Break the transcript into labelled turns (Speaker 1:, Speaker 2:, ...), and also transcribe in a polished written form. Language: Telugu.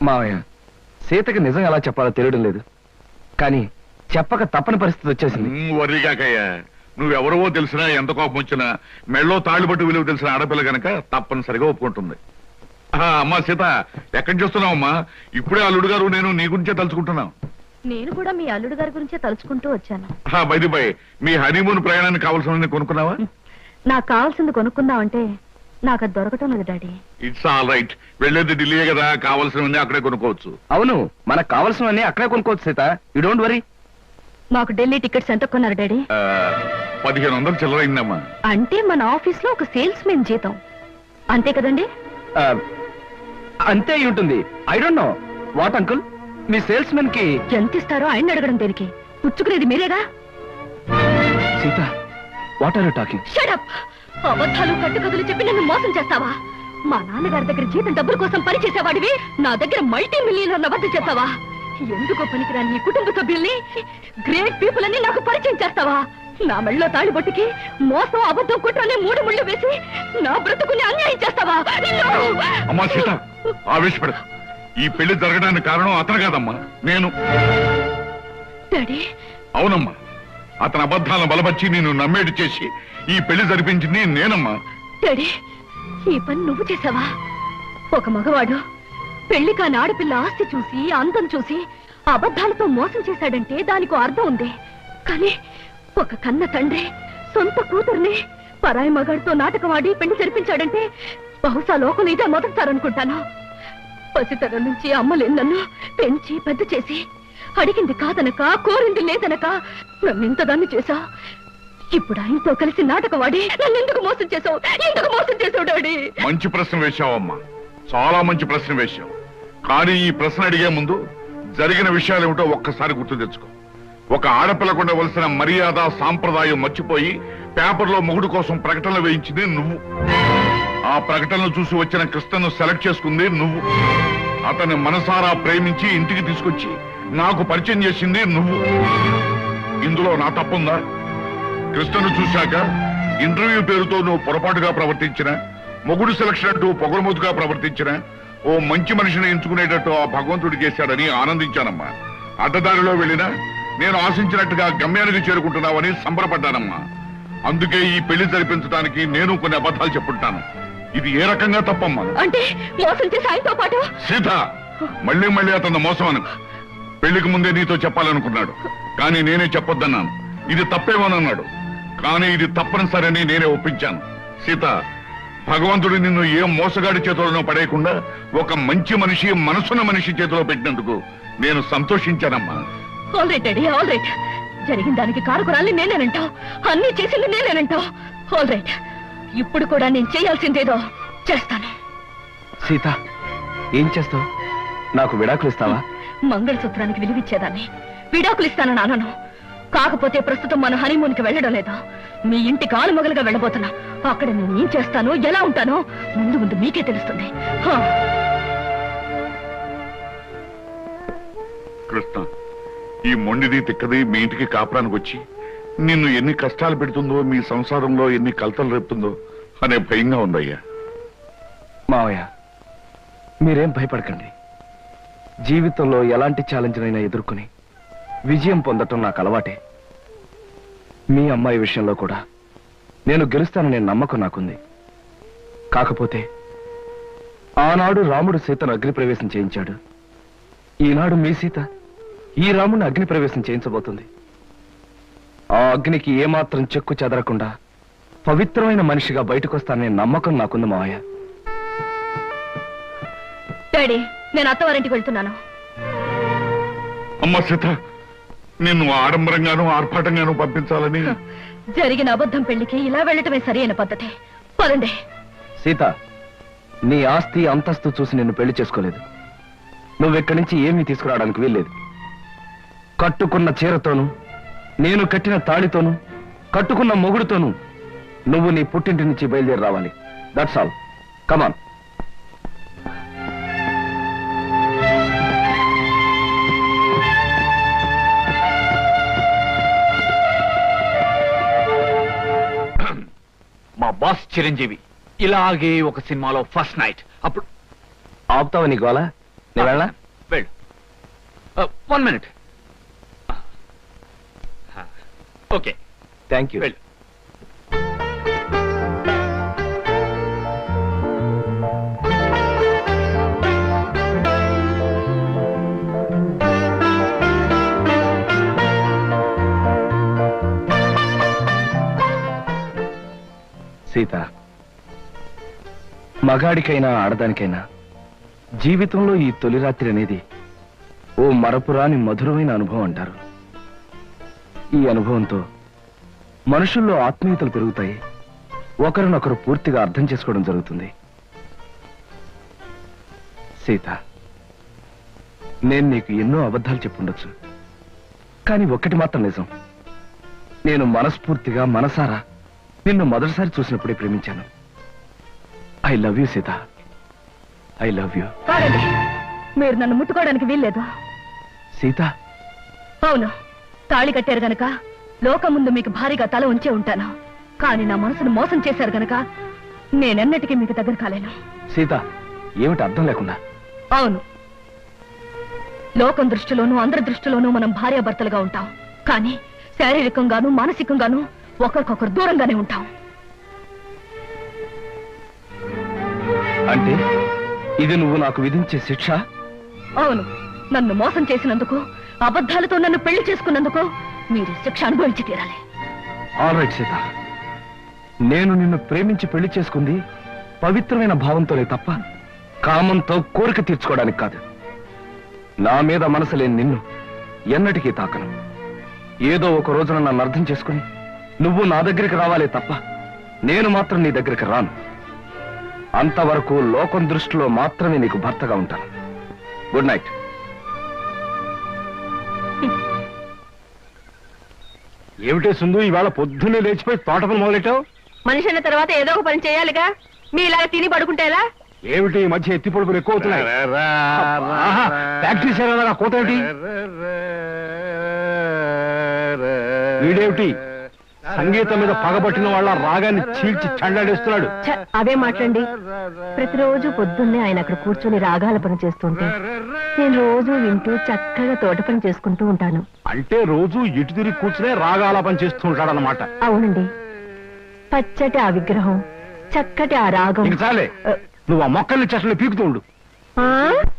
Speaker 1: మావయ్య, సీతకి నిజం ఎలా చెప్పాలో తెలియడం లేదు, కానీ చెప్పక తప్పని పరిస్థితి వచ్చేసింది.
Speaker 2: వర్రిగాకయ్యా, నువ్వెవరవో తెలిసినా ఎంత కోపం వచ్చినా మెళ్ళో తాళ్ళు పట్టు విలువ తెలిసిన ఆడపిల్ల గనక తప్పనిసరిగా ఒప్పుకుంటుంది. అమ్మా సీత, ఎక్కడి చూస్తున్నావమ్మా? ఇప్పుడే అల్లుడు గారు నేను నీ గురించే తలుచుకుంటున్నాం.
Speaker 3: నేను కూడా మీ అల్లుడు గారి గురించే తలుచుకుంటూ వచ్చాను.
Speaker 2: బైది బై, మీ హనీమూన్ ప్రయాణానికి కావాల్సిన కొనుక్కున్నావా?
Speaker 3: నాకు కావాల్సింది కొనుక్కుందామంటే నాకు అది దొరకటం లేదు డాడీ.
Speaker 2: ఇట్స్ ఆల్ రైట్, వెళ్ళేది ఢిల్లీయే కదా, కావాల్సినవన్నీ అక్కడే కొనుక్కోవచ్చు.
Speaker 1: అవును, మనకు కావాల్సినవన్నీ అక్కడే కొనుక్కోవచ్చు సీత, యూ డోంట్ వరీ.
Speaker 3: మాకు ఢిల్లీ టికెట్స్ ఎంత కొన్నారు డాడీ?
Speaker 2: 1500 చిల్లరైందమ్మా.
Speaker 3: అంటే మన ఆఫీస్ లో ఒక సేల్స్ మెన్ జీతం అంతే కదండి?
Speaker 1: అంతే ఉంటుంది. I don't know what uncle, మీ సేల్స్ మెన్ కి
Speaker 3: ఎంత ఇస్తారో ఆయన అడగడం దేనికి? పుచ్చుకునేది మీరేగా.
Speaker 1: Sita, what are you talking?
Speaker 3: Shut up! అబద్ధాలు కట్టుకథలు చెప్పి నన్ను మోసం చేస్తావా? మా నాన్నగారి దగ్గర జీతం డబ్బుల కోసం పని చేసేవాడివి నా దగ్గర మల్టీ మిలియనర్ల వద్ద చేస్తావా? ఎందుకో పనికిరాని నీ కుటుంబ సభ్యుల్ని, గ్రేట్ పీపుల్ అని నాకు పరిచయం చేస్తావా? నా మెళ్ళలో తాళిబొట్టుకి మోసం, అబద్ధం, కుట్రని 3 ముళ్ళు వేసి నా బ్రతుకుని అన్యాయం చేస్తావా?
Speaker 2: అమ్మా సీత, ఆవేశపడ. ఈ పెళ్లి జరగడానికి కారణం అతను కాదమ్మా, నేను.
Speaker 3: డాడీ?
Speaker 2: అవునమ్మా, అతని అబద్ధాలను బలపరిచి నేను నమ్మేటి చేసి ఈ పెళ్లి జరిపించింది నేనమ్మా.
Speaker 3: డాడీ, ఈ పని నువ్వు చేసావా? ఒక మగవాడు పెళ్లి కాని ఆడపిల్ల ఆస్తి చూసి, అందం చూసి అబద్ధాలతో మోసం చేశాడంటే దానికో అర్థం ఉంది. కానీ ఒక కన్న తండ్రి సొంత కూతుర్ని పరాయి మగాడితో నాటకం ఆడి పెళ్లి జరిపించాడంటే బహుశా లోకం ఇదే మొదటిసారనుకుంటాను. పసితరం నుంచి అమ్మలేని నన్ను పెంచి పెద్ద చేసి అడిగింది కాదనక, కోరింది లేదనక నన్ను ఇంతదాన్ని చేశా. ఇప్పుడు ఆయనతో కలిసి నాటకం ఆడి నన్ను ఎందుకు మోసం చేశావు? ఎందుకు మోసం చేశావు డాడీ?
Speaker 2: మంచి ప్రశ్న వేశావమ్మా, చాలా మంచి ప్రశ్న వేశావు. కానీ ఈ ప్రశ్న అడిగే ముందు జరిగిన విషయాలు ఏమిటో ఒక్కసారి గుర్తు తెచ్చుకో. ఒక ఆడపిల్లకు ఉండవలసిన మర్యాద, సాంప్రదాయం మర్చిపోయి పేపర్లో మొగుడు కోసం ప్రకటనలు వేయించింది నువ్వు. ఆ ప్రకటనలు చూసి వచ్చిన కృష్ణను సెలెక్ట్ చేసుకుంది నువ్వు. అతన్ని మనసారా ప్రేమించి ఇంటికి తీసుకొచ్చి నాకు పరిచయం చేసింది నువ్వు. ఇందులో నా తప్పుందా? కృష్ణను చూశాక ఇంటర్వ్యూ పేరుతో నువ్వు పొరపాటుగా ప్రవర్తించిన, మొగుడు సెలక్షన్ అంటూ పొగరమోతుగా ప్రవర్తించిన, ఓ మంచి మనిషిని ఎంచుకునేటట్టు ఆ భగవంతుడు చేశాడని ఆనందించానమ్మా. అడ్డదారిలో వెళ్ళినా నేను ఆశించినట్టుగా గమ్యానికి చేరుకుంటున్నావని సంబరపడ్డానమ్మా. అందుకే ఈ పెళ్లి జరిపించడానికి నేను కొన్ని అబద్ధాలు చెప్పుంటాను. ఇది ఏ రకంగా తప్పమ్మా?
Speaker 3: అంటే మోసం చేసి ఆయనతో పాటు
Speaker 2: సీత, మళ్ళీ మళ్ళీ అతను మోసం అను. పెళ్లికి ముందే నీతో చెప్పాలనుకున్నాడు, కానీ నేనే చెప్పొద్దన్నాను. ఇది తప్పేమోనన్నాడు, కానీ ఇది తప్పనిసరని నేనే ఒప్పించాను. సీత, భగవంతుడు నిన్ను ఏ మోసగాడి చేతులను పడేయకుండా ఒక మంచి మనిషి, మనసున్న మనిషి చేతిలో పెట్టినందుకు నేను సంతోషించానమ్మా.
Speaker 3: All right daddy, all right. జరిగిన దానికి కారకురాల్ని నేనేనంటావు, అన్ని చేసింది నేనేనంటావు. ఆల్ రైట్, ఇప్పుడు కూడా నేను చేయాల్సిందేదో చేస్తాను.
Speaker 1: సీత, ఏం చేస్తావు? నాకు విడాకులు ఇస్తావా?
Speaker 3: మంగళసూత్రానికి విలువిచ్చేదాన్ని విడాకులు ఇస్తానని అనను. కాకపోతే ప్రస్తుతం మన హనీమూన్ కి వెళ్ళడం లేదా, మీ ఇంటికి ఆలుమగలుగా వెళ్ళబోతున్నా. అక్కడ నేను ఏం చేస్తానో, ఎలా ఉంటానో ముందు ముందు మీకే తెలుస్తుంది.
Speaker 2: కృష్ణ, ఈ మొండిది తిక్కది మీ ఇంటికి కాపురానికి వచ్చి నిన్ను ఎన్ని కష్టాలు పెడుతుందో, మీ సంసారంలో ఎన్ని కలతలు రేపుతుందో అనే భయంగా ఉందయ్యా.
Speaker 1: మావయ్య, మీరేం భయపడకండి. జీవితంలో ఎలాంటి ఛాలెంజ్నైనా ఎదుర్కొని విజయం పొందటం నాకు అలవాటే. మీ అమ్మాయి విషయంలో కూడా నేను గెలుస్తాననే నమ్మకం నాకుంది. కాకపోతే ఆనాడు రాముడు సీతను అగ్నిప్రవేశం చేయించాడు. ఈనాడు మీ సీత ఈ రాముడిని అగ్నిప్రవేశం చేయించబోతుంది. ఆ అగ్నికి ఏమాత్రం చెక్కు చెదరకుండా పవిత్రమైన మనిషిగా బయటకొస్తాననే నమ్మకం నాకుంది మావయ్య.
Speaker 3: డాడీ, నేను అత్తవారింటికి వెళ్తున్నాను.
Speaker 2: అమ్మ సీత, నిన్ను ఆడంబరంగానూ ఆర్భాటంగానూ పంపించాలని
Speaker 3: జరిగిన అబద్ధం పెళ్లికి ఇలా వెళ్ళటమే సరైన పద్ధతి. పదండి.
Speaker 1: సీత, నీ ఆస్తి అంతస్తు చూసి నిన్ను పెళ్లి చేసుకోలేదు. నువ్వెక్కడి నుంచి ఏమీ తీసుకురావడానికి వీల్లేదు. కట్టుకున్న చీరతోనూ, నేను కట్టిన తాళితోనూ, కట్టుకున్న మొగుడుతోనూ నువ్వు నీ పుట్టింటి నుంచి బయలుదేరి రావాలి. That's all. కమాన్.
Speaker 4: మా బాస్ చిరంజీవి ఇలాగే ఒక సినిమాలో ఫస్ట్ నైట్. అప్పుడు
Speaker 1: ఆపుతావా నీ గోల? నేను వెళ్ళా?
Speaker 4: వెళ్ళు. 1 minute. Okay,
Speaker 1: thank you.
Speaker 4: వెళ్ళు.
Speaker 1: సీత, మగాడికైనా ఆడదానికైనా జీవితంలో ఈ తొలి రాత్రి అనేది ఓ మరపురాని మధురమైన అనుభవం అంటారు. ఈ అనుభవంతో మనుషుల్లో ఆత్మీయతలు పెరుగుతాయి, ఒకరినొకరు పూర్తిగా అర్థం చేసుకోవడం జరుగుతుంది. సీత, నేను నీకు ఎన్నో అబద్ధాలు చెప్పుండొచ్చు, కానీ ఒక్కటి మాత్రం నిజం. నేను మనస్ఫూర్తిగా మనసారా నిన్ను మొదటిసారి చూసినప్పుడే ప్రేమించాను. I love you Sita, I love you.
Speaker 3: కాదండి, మీరు నన్ను ముట్టుకోవడానికి వీల్లేదు.
Speaker 1: సీత,
Speaker 3: అవును, తాళి కట్టారు గనక లోకం ముందు మీకు భారీగా తల ఉంచే ఉంటాను. కానీ నా మనసును మోసం చేశారు గనక నేనెన్నటికీ మీకు దగ్గర కాలేను.
Speaker 1: సీత, ఏమిటి అర్థం లేకుండా?
Speaker 3: అవును, లోకం దృష్టిలోనూ అందరి దృష్టిలోనూ మనం భార్యాభర్తలుగా ఉంటాం. కానీ శారీరకంగానూ మానసికంగానూ ఒకరికొకరు దూరంగానే ఉంటాం.
Speaker 1: అంటే ఇది నువ్వు నాకు విధించే శిక్ష?
Speaker 3: అవును, నన్ను మోసం చేసినందుకు, అబద్ధాలతో నన్ను పెళ్లి చేసుకున్నందుకు మీరు శిక్ష అనుభవించి తీరాలి.
Speaker 1: ఆల్ రైట్ సీత, నేను నిన్ను ప్రేమించి పెళ్లి చేసుకుంది పవిత్రమైన భావంతోనే తప్ప కామంతో కోరిక తీర్చుకోవడానికి కాదు. నా మీద మనసు లేని నిన్ను ఎన్నటికీ తాకను. ఏదో ఒక రోజున నన్ను అర్థం చేసుకుని నువ్వు నా దగ్గరికి రావాలే తప్ప నేను మాత్రం నీ దగ్గరికి రాను. అంతవరకు లోకం దృష్టిలో మాత్రమే నీకు భర్తగా ఉంటాను. Good night.
Speaker 4: ఏమిటే సుందు, ఇవాళ పొద్దున్నే లేచిపోయి తోట పని మొదలెట్టావు?
Speaker 3: మనిషి అన్న తర్వాత ఏదో ఒక పని చేయాలిగా. మీ ఇలాగ తిని పడుకుంటేలా?
Speaker 4: ఏమిటి ఈ మధ్య ఎత్తి పొడుపులు ఎక్కువ అవుతున్నాయి? ప్రాక్టీస్ చేయాలా కోత ఏమిటి? వీడేమిటి సంగీతం మీద పగబట్టిన వాళ్ళ రాగాన్ని చీల్చి చండాడేస్తున్నాడు?
Speaker 3: అవే మాట్లాడండి. ప్రతిరోజు పొద్దున్నే ఆయన అక్కడ కూర్చొని రాగాల పని చేస్తుంటే నేను రోజు వింటూ చక్కగా తోట పని చేసుకుంటూ ఉంటాను.
Speaker 4: అంటే రోజు ఇటు తిరిగి కూర్చునే రాగాల పని చేస్తూ ఉంటాడు అన్నమాట.
Speaker 3: అవునండి, పచ్చటి ఆ విగ్రహం, చక్కటి ఆ రాగం.
Speaker 4: చాలే, నువ్వు ఆ మొక్కల్ని చెట్లని పీకుతూ ఉండు.